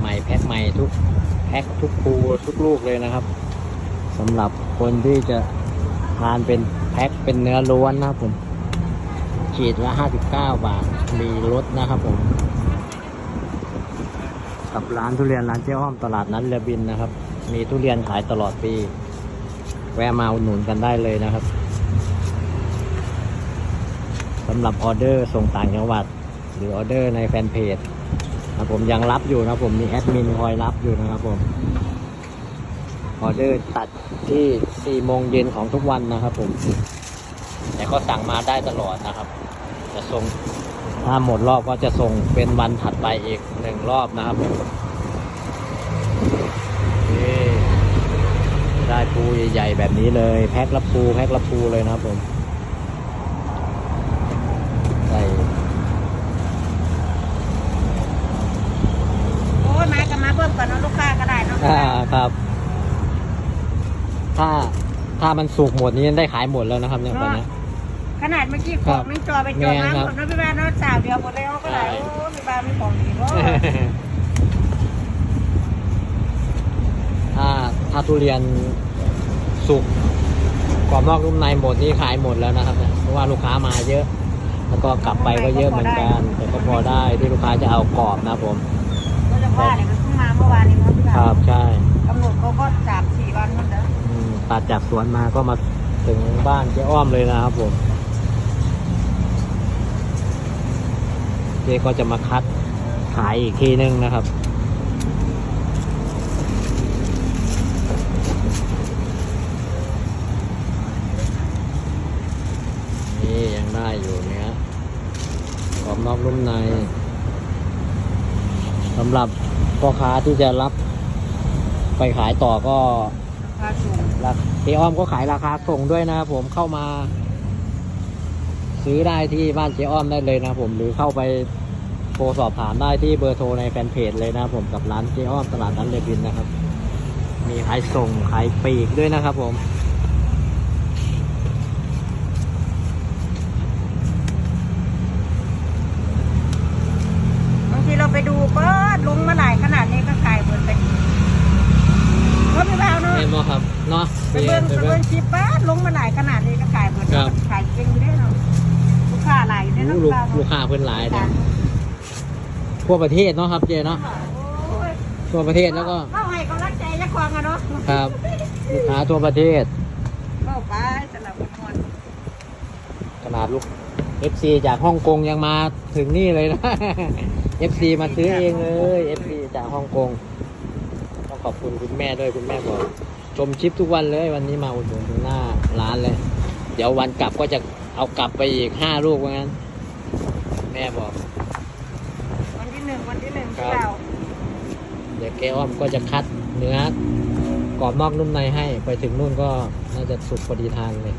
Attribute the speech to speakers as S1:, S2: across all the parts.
S1: หม่ๆแพ็คใหม่ทุกแพ็คทุกภูทุกลูกเลยนะครับสำหรับคนที่จะทานเป็นแพ็คเป็นเนื้อล้วนนะครับผมขีดละ59 บาทมีลดนะครับผมกับร้านทุเรียนร้านเจ๊อ้อมตลาดนัดเรือบินนะครับมีทุเรียนขายตลอดปีแวะมาอุดหนุนกันได้เลยนะครับสำหรับออเดอร์ส่งต่างจังหวัดหรือออเดอร์ในแฟนเพจนะผมยังรับอยู่นะผมมีแอดมินคอยรับอยู่นะครับผมออเดอร์ตัดที่4 โมงเย็นของทุกวันนะครับผมแต่ก็สั่งมาได้ตลอดนะครับจะส่งถ้าหมดรอบก็จะส่งเป็นวันถัดไปอีก1 รอบนะครับได้ปูใหญ่ๆแบบนี้เลยแพ็คละปูเลยนะครับผมใส่
S2: โอ้ยมากันมาเพิ่มก่อนเนาะลูกค้าก็ได้เนาะ
S1: ครับถ้ามันสุกหมดนี้ได้ขายหมดแล้วนะครับเนี่ยตอนนี้
S2: ขนาดเมื่อกี้ของนึงจอไปจอมาหมดเนาะพี่บ้านเนาะสาวเดียวหมดเลยเขาก็ได้โอ้พี่บ้านไม่ของดีเนาะ
S1: ถ้าทุเรียนสุกกรอบนอกนุ่มในหมดนี่ขายหมดแล้วนะครับเพราะว่าลูกค้ามาเยอะแล้วก็กลับไปก็เยอะเหมือนกันแต่ก็พอได้ที่ลูกค้าจะเอากรอบนะผม
S2: ก็จะว่าเนี่ยมันเพิ่งมาเมื่อวานนี้มั้งพี่บ้าน
S1: ครับใช่
S2: กำหนดเขาก็3-4 วันนั่นเด้อ
S1: ตัดจากสวนมาก็มาถึงบ้านเจ๊อ้อมเลยนะครับผมเจ๊ก็จะมาคัดขายอีกทีนึงนะครับนี่ยังได้อยู่เนี้ยกรอบนอกนุ่มในสำหรับพ่อค้าที่จะรับไปขายต่อก็
S2: ราคาสูง
S1: เจ๊อ้อมก็ขายราคาส่งด้วยนะครับผมเข้ามาซื้อได้ที่บ้านเจ๊อ้อมได้เลยนะผมหรือเข้าไปโทรสอบถามได้ที่เบอร์โทรในแฟนเพจเลยนะผมกับร้านเจ๊อ้อมตลาดนัดเรือบินนะครับมีขายส่งขายปลีกด้วยนะครับผม
S2: บางทีเราไปดูก็ลงมาหลายขนาดนี้ก็ขายหมดไปเพราะพี่บ้านเนาะ
S1: เห็นไหมครับเนาะ
S2: ไปเบิ้งคลิปป้าลงมาหลายขนาดนี้ก็ขายหมดขายเก่งได้เนาะลูกค้าหลายได้เนาะ
S1: ลูกค้าเพิ่นหลายนะทั่วประเทศเนาะครับเจ๊เนาะทั่วประเทศแล้วก็
S2: เข้าให้กำลังใจยักษ์ควงกันเนาะ
S1: ครับลูกค้าทั่วประเทศ
S2: เข้าไปสำหรับคน
S1: ขนาดลูก FC จากฮ่องกงยังมาถึงนี่เลยนะ FC มาซื้อเองเลย FC จากฮ่องกงต้องขอบคุณคุณแม่ด้วยคุณแม่บอกชมคลิปทุกวันเลยวันนี้มาอุดหนุนถึงหน้าร้านเลยเดี๋ยววันกลับก็จะเอากลับไปอีก5 ลูกว่างั้นแม่บอก
S2: วันที่ 1ที่เรา
S1: เดี๋ยวแกอ้อมก็จะคัดเนื้อกรอบนอกนุ่มในให้ไปถึงนู่นก็น่าจะสุกพอดีทานเลย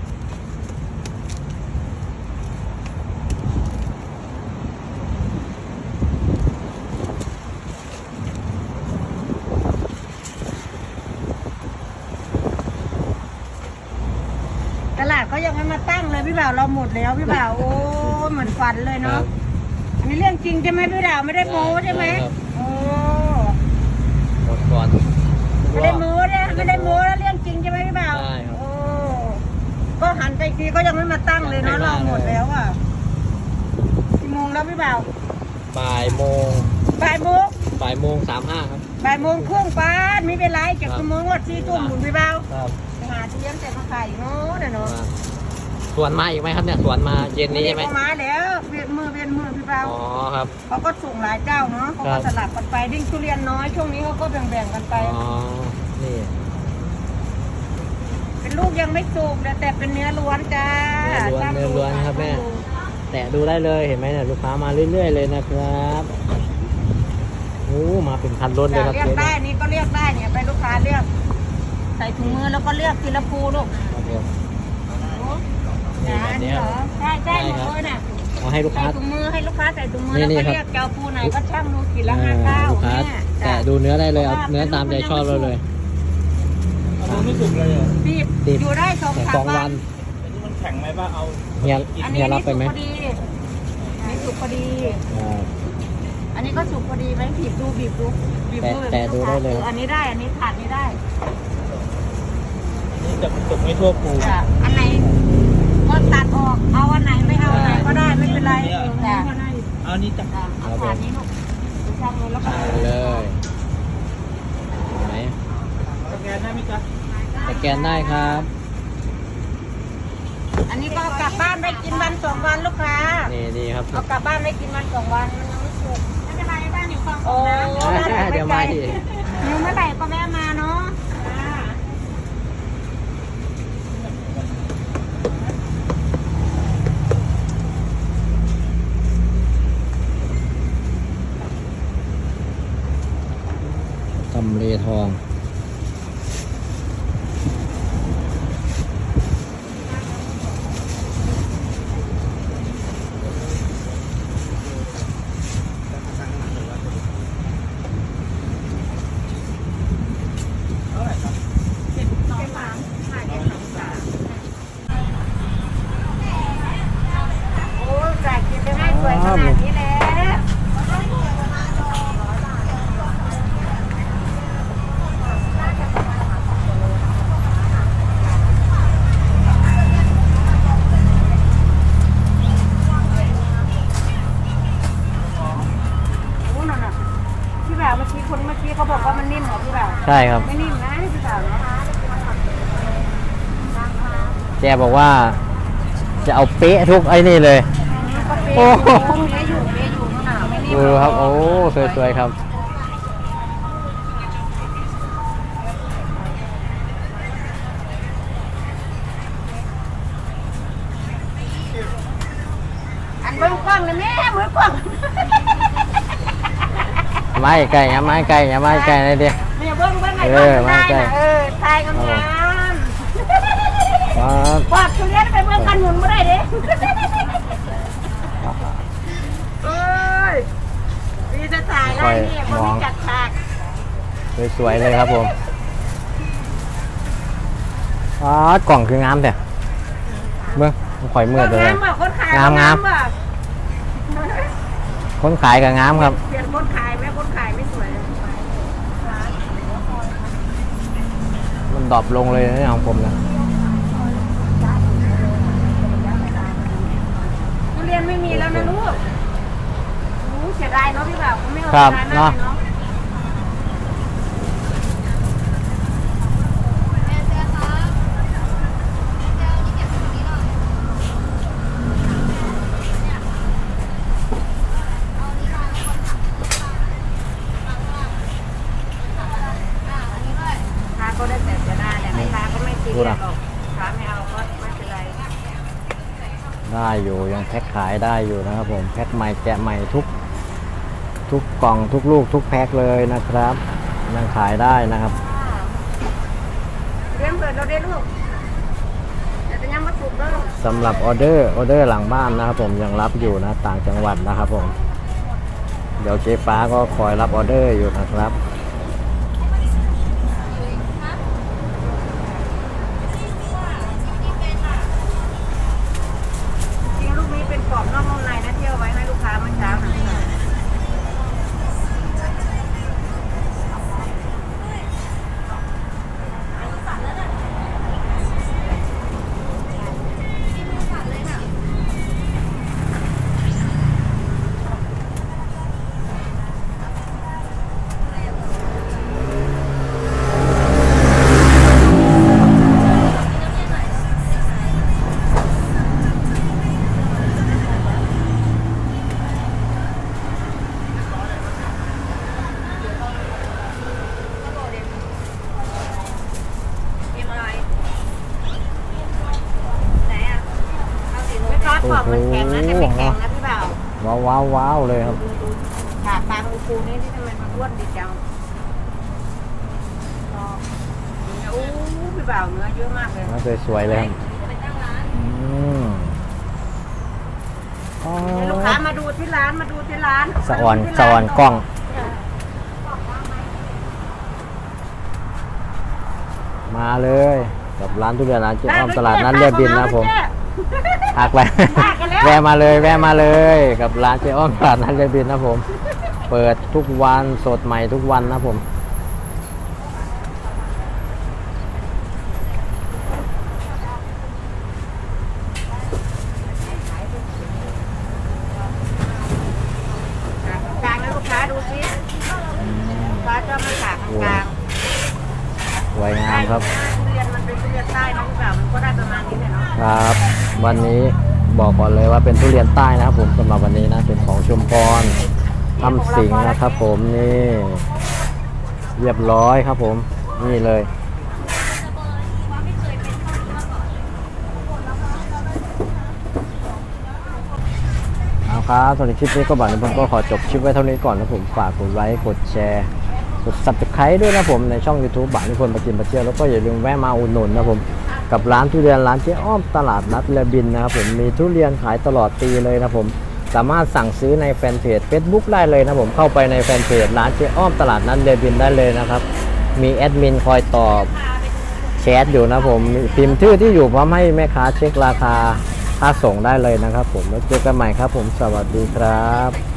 S2: ตลาดเขายังไม่มาตั้งเลยพี่บ่าวเราหมดแล้วพี่บ่าวโอ้เหมือนฝันเลยเนาะอันนี้เรื่องจริงใช่ไหมพี่บ่าวไม่ได้โม้ใช่ไหมโอ้
S1: หมดก่อน
S2: ไม่ได้โม้นะไม่ได้โม้แล้วเรื่องจริงใช่ไหมพี่บ่าวโอ้ก็หันไปทีก็ยังไม่มาตั้งเลยเนาะเราหมดแล้วอ่ะกี่โมงแล้วพี่บ่าว
S1: บ่ายโมง35ครับ
S2: บ่าย 1:30ป้าไม่เป็นไรจากชั่วโมงวัด4 ทุ่มหมุนพี่บ่าว
S1: ครับ
S2: หาที่เลี้ยงแต่มาขายเนาะเนาะ
S1: สวนมาอีกไหมครับเนี่ยสวนมาเย็นนี้ใช่ไหม
S2: มาแล้วเวียนมือพี่บ่าว
S1: อ๋อครับ
S2: เขาก็ส่งหลายเจ้าเนาะเขาก็สลับกันไปดิ้งทุเรียนน้อยช่วงนี้เขาก็แบ่งกันไป
S1: อ๋อนี่
S2: เป็นลูกยังไม่สุกแต่เป็นเนื้อล้วนจ้า
S1: เนื้อล้วนครับแม่แตะดูได้เลยเห็นไหมเนี่ยลูกค้ามาเรื่อยๆเลยนะครับโอ้มาเป็นคันรถเลยครับ
S2: เรียกได้นี่ก็เรียกได้เนี่ยไปลูกค้าเรียกใส่ถุงมือแล้วก็เรียกทีละภูลูกนี่เหรอใช่หมดเลยน่ะ
S1: เอาให้ลูกค้า
S2: ใส่ถุงมือให้ลูกค้าใส่ถุงมือแล้วก็เรียกเจ้าภูไหนก็ช่างดูขีดละ59
S1: ลูกค้าแต่ดูเนื้อได้เลยเอาเนื้อตามใจชอบเราเลย
S3: ไม่สุกเลย
S2: ดิบอยู่ได้2-3 วัน
S3: มันแข็งไหมป่ะเอา
S1: เฮียรับไปไหม
S2: นี่สุกพอดีอันนี้ก็สุกพอดีไหมบีบดูบีบดูบีบดู
S1: แต่ดูได้เลย
S2: อันนี้ได้อันนี้ถาดนี้ได้
S3: นี่แต่มันสุกไม่ทั่วภู
S2: จ้ะอันไหนก็ตัดออกเอาอันไหนไม่เอาอันไหนก็ได้ไม่เป็นไรจ้ะ
S3: เอานี่จ้ะ
S2: จ้ะเอาถาดนี้ลูกดูช่างเลยแล้วก็
S1: เอาเลยเห็นไหม
S3: สแกนได้ไหมจ๊ะ
S1: สแกนได้ครับ
S2: อันนี้ก็เอากลับบ้านไปกินวันสองวันลูกค้า
S1: นี่ครับ
S2: เอากลับบ้านไปกินวันสองวันมันยังไม่สุกไม่เป็นไรบ้านอยู่ฝั่งโอ้
S1: เดี๋ยวมาอีก
S2: อยู่เมื่อไหร่ก็แม่มาเนาะ
S1: ตำเลทอง
S2: โอ้จ่ายกินไปให้สวยขนาดนี้แล้ว โอ้นั่นน่ะพี่บ่าวเมื่อกี้คนเมื่อกี้เขาบอกว่ามันนิ่มเหรอพี่บ่าว
S1: ใช่ครับ
S2: ไม่นิ่มนะพี่บ่าวเนาะ
S1: แกบอกว่า จะเอาเป๊ะทุกไอ้นี่เลย
S2: ก็เป๊ะ
S1: โอ้
S2: อยู่
S1: โห
S2: เป๊ะอยู่เป๊ะอยู่นั่นน่ะไม่นิ่ม
S1: ดูครับ โอ้สวยๆครับ
S2: อันเบิ้งกล้องเลยแม่มือกล้อง
S1: ไม้ไก่อย่าไม้ไก่อย่าไม้ไก่เลยดิ
S2: แม่เบิ้งไง
S1: เอ
S2: เบิ้
S1: อง
S2: ได้
S1: ไม่ใช่
S2: นะทายงาม
S1: ครับ
S2: ๆปอดทุเรียนไปเบิ้งกันหนุนไม่ได้เด้เอ้ยมีจะถ่ายได้เนี่ยคนที่จัดฉาก
S1: สวยๆเลยครับผมอ๋อกล่องคืองามแต่เมื่อข่อยเมื่อเลย
S2: งามป่ะคนขาย
S1: งาม
S2: ป่ะ
S1: คนขายกับงามครับ
S2: เปลี่ยนคนขายไหมคนขายไม่สวย
S1: มันดรอปลงเลยนะของผมนะ
S2: ทุเรียนไม่มีแล้วนะลูกรู้เสียดายเนาะพี่บ่าวไม่เอา
S1: ครับ
S2: เสียดายมากเลยเนาะ ค้าก็ได้แต่จะได้แหละไม่ค้าก็ไม่ตีเรียกหรอกค้าไม่เอาก็ไม่เป็นไร
S1: ได้อยู่ยังแพ็คขายได้อยู่นะครับผมแพ็คใหม่แกะใหม่ทุกกล่องทุกลูกทุกแพ็คเลยนะครับยังขายได้นะครับ
S2: เรียนเปิดเราได้ลูกแต่จะยังมาถูกเด้อ
S1: สำหรับออเดอร์หลังบ้านนะครับผมยังรับอยู่นะต่างจังหวัดนะครับผมเดี๋ยวเจ๊ฟ้าก็คอยรับออเดอร์อยู่นะครับ
S2: จริงลูกนี้เป็นกรอบนอกนุ่มในนะเที่ยวไว้ให้ลูกค้าเมื่อเช้าหน่อยไม่ทอดกรอบมันแข็งนะแต่ไม่แข็งนะพี่บ่าว
S1: ว้าวเลยครับ
S2: ดูขาปลาคูนี่ที่ทำไมมันอ้วนดิจังโอ้พี่บ่าวเนื้อเยอะมากเลย
S1: น่าสวยๆเลยครับอืมอ๋อ
S2: เดี๋ยวลูกค้ามาดูที่ร้านมาดูที่ร้าน
S1: สะอ่อนกล้อง มาเลยกับร้านทุเรียนร้านเจ๊อ้อมตลาดนัดเรียบดินนะครับผมหักไปแวะมาเลยกับร้านเจ๊อ้อมตลาดนัดเรียบดินนะครับผมเปิดทุกวันสดใหม่ทุกวันนะผม
S2: กลางๆนะลูกค้าดูสิลูกค้าจะมาฉากกลาง
S1: สวยงามครับ
S2: ทุเรียนมันเป็นทุเรียนใต้นะพี่บ่าวมันก็ได้ประมาณนี้แหละเนาะ
S1: ครับ วันนี้บอกก่อนเลยว่าเป็นทุเรียนใต้นะครับผมสำหรับวันนี้นะเป็นของชุมพรทำสิงห์นะครับผมนี่เรียบร้อยครับผมนี่เลยเอาครับสำหรับคลิปนี้ก็บ่าวนิพนธ์ก็ขอจบคลิปไว้เท่านี้ก่อนนะผมฝากกดไลค์กดแชร์กด Subscribe ด้วยนะผมในช่อง YouTube บ่าวนิพนธ์ประจิมประเจียวแล้วก็อย่าลืมแวะมาอุดหนุนนะผมกับร้านทุเรียนร้านเจ๊อ้อมตลาดนัดเรือบินนะครับผมมีทุเรียนขายตลอดปีเลยนะผมสามารถสั่งซื้อในแฟนเพจ Facebook ได้เลยนะผมเข้าไปในแฟนเพจร้านเจ๊อ้อมตลาดนัดเรือบินได้เลยนะครับมีแอดมินคอยตอบแชทอยู่นะผมพิมพ์ชื่อที่อยู่พร้อมให้แม่ค้าเช็คราคาค่าส่งได้เลยนะครับผมแล้วเจอกันใหม่ครับผมสวัสดีครับ